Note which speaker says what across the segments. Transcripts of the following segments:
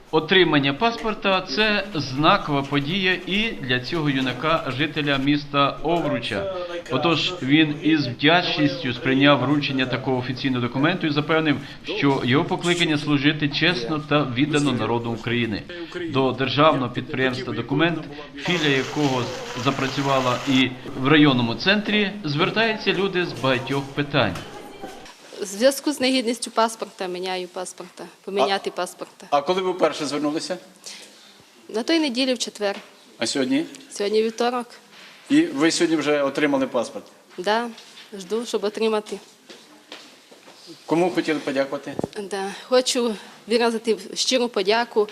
Speaker 1: Отримання паспорта – це знакова подія і для цього юнака, жителя міста Овруча. Отож, він із вдячністю сприйняв вручення такого офіційного документу і запевнив, що його покликання служити чесно та віддано народу України. До державного підприємства «Документ», філія якого запрацювала і в районному центрі, звертаються люди з багатьох питань.
Speaker 2: В зв'язку з негідністю паспорта міняю паспорта, поміняти паспорта.
Speaker 3: А коли ви вперше звернулися?
Speaker 2: На той неділі в четвер.
Speaker 3: А сьогодні?
Speaker 2: Сьогодні вівторок.
Speaker 3: І ви сьогодні вже отримали паспорт?
Speaker 2: Да, жду, щоб отримати.
Speaker 3: Кому хотіли подякувати?
Speaker 2: Да. Хочу виразити щиру подяку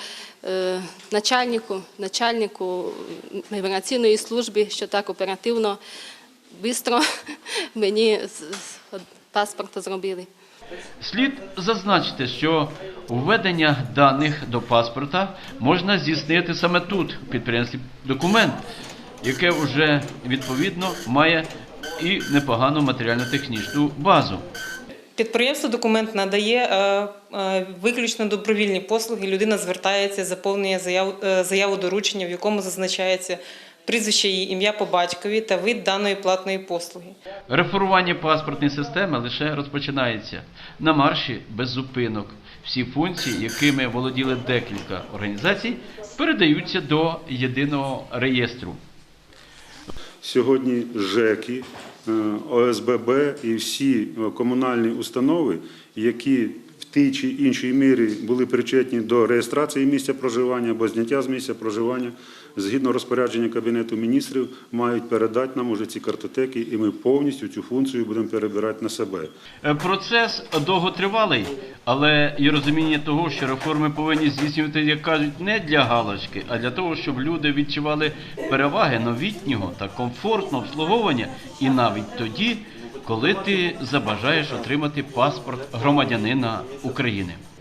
Speaker 2: начальнику міграційної служби, що так оперативно, швидко мені паспорт зробили.
Speaker 1: Слід зазначити, що введення даних до паспорта можна здійснити саме тут, в підприємстві «Документ», яке вже, відповідно, має і непогану матеріально-технічну базу.
Speaker 4: Підприємство «Документ» надає виключно добровільні послуги. Людина звертається, заповнює заяву доручення, в якому зазначається прізвище її, ім'я по батькові та вид даної платної послуги.
Speaker 1: Реформування паспортної системи лише розпочинається. На марші без зупинок. Всі функції, якими володіли декілька організацій, передаються до єдиного реєстру.
Speaker 5: Сьогодні ЖЕКи, ОСББ і всі комунальні установи, які в тій чи іншій мірі були причетні до реєстрації місця проживання або зняття з місця проживання, згідно розпорядження Кабінету міністрів, мають передати нам уже ці картотеки, і ми повністю цю функцію будемо перебирати на себе.
Speaker 1: Процес довготривалий, але і розуміння того, що реформи повинні здійснювати, як кажуть, не для галочки, а для того, щоб люди відчували переваги новітнього та комфортного обслуговування, і навіть тоді, коли ти забажаєш отримати паспорт громадянина України.